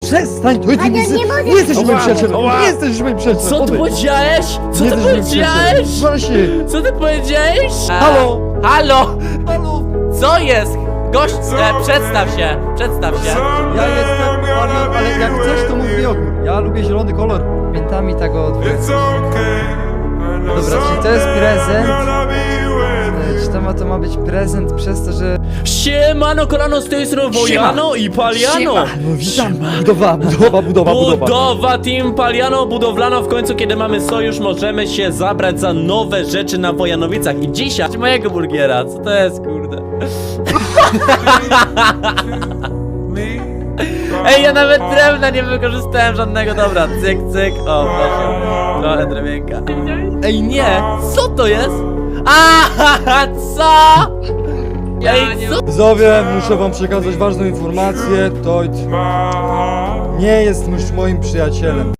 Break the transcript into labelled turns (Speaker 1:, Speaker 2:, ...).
Speaker 1: Przestań, to
Speaker 2: nie
Speaker 1: nie
Speaker 2: mogę.
Speaker 1: nie jesteś moim
Speaker 3: Ała,
Speaker 1: przyjacielem,
Speaker 3: ała.
Speaker 1: nie jesteś moim przyjacielem.
Speaker 4: Co ty
Speaker 1: odejdź.
Speaker 4: powiedziałeś? Co
Speaker 1: Nie
Speaker 4: ty
Speaker 1: jesteś moim przyjacielem.
Speaker 4: powiedziałeś?
Speaker 1: Właśnie.
Speaker 4: Co ty powiedziałeś?
Speaker 1: Halo?
Speaker 4: Halo!
Speaker 1: Halo?
Speaker 4: Co jest? Gość, przedstaw się, przedstaw się.
Speaker 1: Ja jestem, ale jak chcesz, to mów mi ogór. Ja lubię zielony kolor.
Speaker 5: Pamiętami tego odwrócić. Dobra, czyli to jest prezent. Czy to ma być prezent przez to, że...
Speaker 4: Siemano, kolano, z tej strony Wojano i Paliano.
Speaker 1: No witam. Budowa.
Speaker 4: Budowa Team Paliano, budowlano. W końcu, kiedy mamy sojusz, możemy się zabrać za nowe rzeczy na Wojanowicach. I dzisiaj mojego burgiera, co to jest, kurde? Ej, ja nawet drewna nie wykorzystałem żadnego, dobra, cyk, cyk, o proszę, trochę drewienka. Ej, nie, co to jest? Aha, co? Ej, co?
Speaker 1: Widzowie, muszę wam przekazać ważną informację. Toid nie jest już moim przyjacielem.